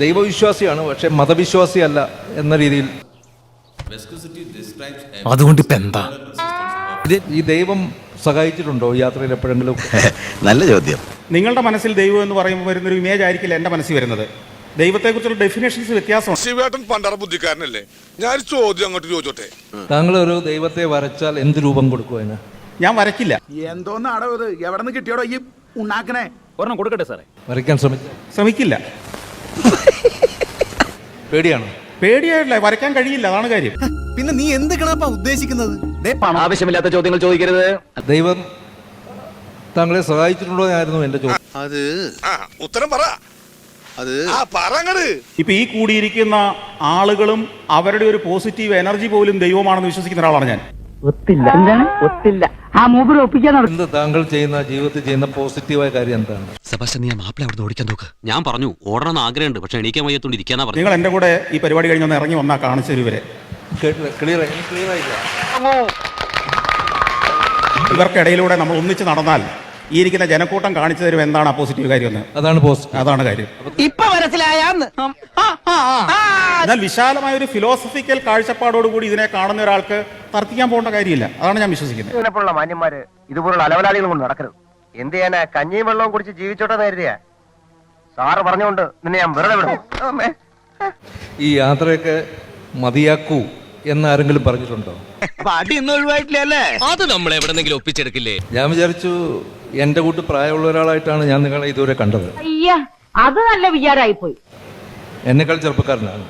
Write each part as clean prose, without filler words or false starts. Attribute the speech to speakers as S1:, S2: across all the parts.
S1: ദൈവവിശ്വാസിയാണ്, പക്ഷെ മതവിശ്വാസിയല്ല എന്ന രീതിയിൽ.
S2: അതുകൊണ്ട് ഇപ്പൊ എന്താ
S1: ഈ ദൈവം സഹായിച്ചിട്ടുണ്ടോ യാത്രയിൽ എപ്പോഴെങ്കിലും?
S3: നല്ല ചോദ്യം.
S4: നിങ്ങളുടെ മനസ്സിൽ ദൈവം എന്ന് പറയുമ്പോൾ വരുന്നൊരു ഇമേജ് ആയിരിക്കില്ല എൻ്റെ മനസ്സിൽ വരുന്നത്. ദൈവത്തെക്കുറിച്ചുള്ള ഡെഫിനേഷൻസ് വ്യത്യാസമാണ്.
S5: ശിവേട്ടൻ പണ്ടറ ബുദ്ധിക്കാരനല്ലേ? ഞാൻ ചോദ്യം അങ്ങോട്ട് ചോദിച്ചോട്ടെ.
S1: താങ്കൾ ഒരു ദൈവത്തെ വരച്ചാൽ എന്ത് രൂപം കൊടുക്കും അതിന്?
S4: ഞാൻ വരയ്ക്കില്ല.
S6: എന്തോന്നാടോ ഇത്? എവിടെ നിന്ന് കിട്ടിയോടോ ഈ ഉണ്ടാക്കണേ?
S7: ഒരെണ്ണം കൊടുക്കട്ടെ സാറേ.
S1: വരയ്ക്കാൻ
S4: ശ്രമിക്കില്ല.
S1: പേടിയാണ്?
S4: പേടിയായിട്ടില്ല, വരയ്ക്കാൻ കഴിയില്ല, അതാണ് കാര്യം.
S2: പിന്നെ നീ എന്ത് കണപ്പാ ഉദ്ദേശിക്കുന്നത്?
S7: ആവശ്യമില്ലാത്ത ചോദ്യങ്ങൾ ചോദിക്കരുത്.
S1: ദൈവം താങ്കളെ സഹായിച്ചിട്ടുണ്ടോ എന്നായിരുന്നു എന്റെ ചോദ്യം.
S3: അത്
S5: ഉത്തരം പറ.
S3: അത്
S5: പറങ്ങട്.
S4: ഇപ്പൊ ഈ കൂടിയിരിക്കുന്ന ആളുകളും അവരുടെ ഒരു പോസിറ്റീവ് എനർജി പോലും ദൈവമാണെന്ന് വിശ്വസിക്കുന്ന ഒരാളാണ് ഞാൻ.
S8: ഒത്തില്ല. എന്താണ് ഒത്തില്ല? ആ മൂപ്പര് ഒപ്പിക്കാൻ
S1: എന്ത് താങ്കൾ ചെയ്യുന്ന ജീവിതത്തിൽ ചെയ്യുന്ന പോസിറ്റീവായ കാര്യം എന്താണ്?
S9: സെബാസ്റ്റ്യൻ, നീ മാപ്പിള അവിടെ ഓടിക്കാൻ നോക്ക്. ഞാൻ പറഞ്ഞു ഓടണമെന്ന് ആഗ്രഹമുണ്ട്, പക്ഷെ എണീക്കാൻ വയ്യത്തോണ്ട് ഇരിക്കാനാ പറഞ്ഞു.
S4: നിങ്ങൾ എന്റെ കൂടെ ഈ പരിപാടി കഴിഞ്ഞൊന്ന് ഇറങ്ങി വന്നാൽ കാണിച്ചു തരുവരെ.
S1: ക്ലിയർ ആയില്ല.
S4: ഇവർക്കിടയിലൂടെ നമ്മൾ ഒന്നിച്ച് നടന്നാൽ ഈ ഇരിക്കുന്ന ജനക്കൂട്ടം കാണിച്ചു തരും എന്താണ് ആ പോസിറ്റീവ് കാര്യം എന്ന്. അതാണ് കാര്യം.
S8: ഇപ്പൊ മനസ്സിലായാന്ന്.
S4: എന്നാൽ വിശാലമായ ഒരു ഫിലോസഫിക്കൽ കാഴ്ചപ്പാടോടുകൂടി ഇതിനെ കാണുന്ന ഒരാൾക്ക് തർക്കിക്കാൻ പോകേണ്ട കാര്യമില്ല. അതാണ് ഞാൻ വിശ്വസിക്കുന്നത്.
S10: ഇതിനെപ്പോലുള്ള മാന്യന്മാര് ഇതുപോലുള്ള അലവലാളികൾ കൊണ്ട് നടക്കരുത്. എന്ത് ചെയ്യാനാ? കഞ്ഞിയും വെള്ളവും കുടിച്ച് ജീവിച്ചോട്ടെ കരുതിയാ? സാറ് പറഞ്ഞുകൊണ്ട് നിന്നെ ഞാൻ വെറുതെ വിടും.
S1: ഈ യാത്രയൊക്കെ മതിയാക്കൂ എന്നാരെങ്കിലും പറഞ്ഞിട്ടുണ്ടോ?
S8: അടി ഇന്ന് ഒഴിവായിട്ടില്ലേ?
S9: അത് നമ്മൾ എവിടെന്നെങ്കിലും ഒപ്പിച്ചെടുക്കില്ലേ?
S1: ഞാൻ വിചാരിച്ചു എന്റെ കൂട്ട് പ്രായമുള്ള ഒരാളായിട്ടാണ് ഞാൻ നിങ്ങളെ ഇതുവരെ കണ്ടത്.
S8: അയ്യ, അത് നല്ല വിചാരമായി പോയി.
S1: എന്നെക്കാൾ ചെറുപ്പക്കാരനാണ്.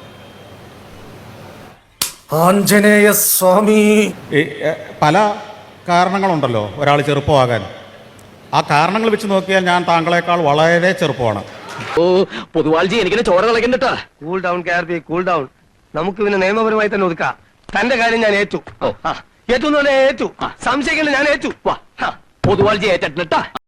S2: ആഞ്ജനേയ സ്വാമി.
S4: പല കാരണങ്ങളുണ്ടല്ലോ ഒരാൾ ചെറുപ്പമാകാൻ. ആ കാരണങ്ങൾ വെച്ച് നോക്കിയാൽ ഞാൻ താങ്കളെക്കാൾ വളരെ ചെറുപ്പമാണ്.
S7: ഓ പൊതുവാൾജി, എനിക്കിനെ ചോര കളക്കണ്ടട്ടാ.
S10: Cool down KRP, cool down. നമുക്ക് പിന്നെ നിയമപരമായി തന്നെ ഒതുക്കാം. തന്റെ കാര്യം ഞാൻ ഏറ്റു. ഏറ്റു ഏറ്റു. സംശയിക്കണ്ട, ഞാൻ ഏറ്റു.
S7: പൊതുവാൾജി ഏറ്റിട്ടാ.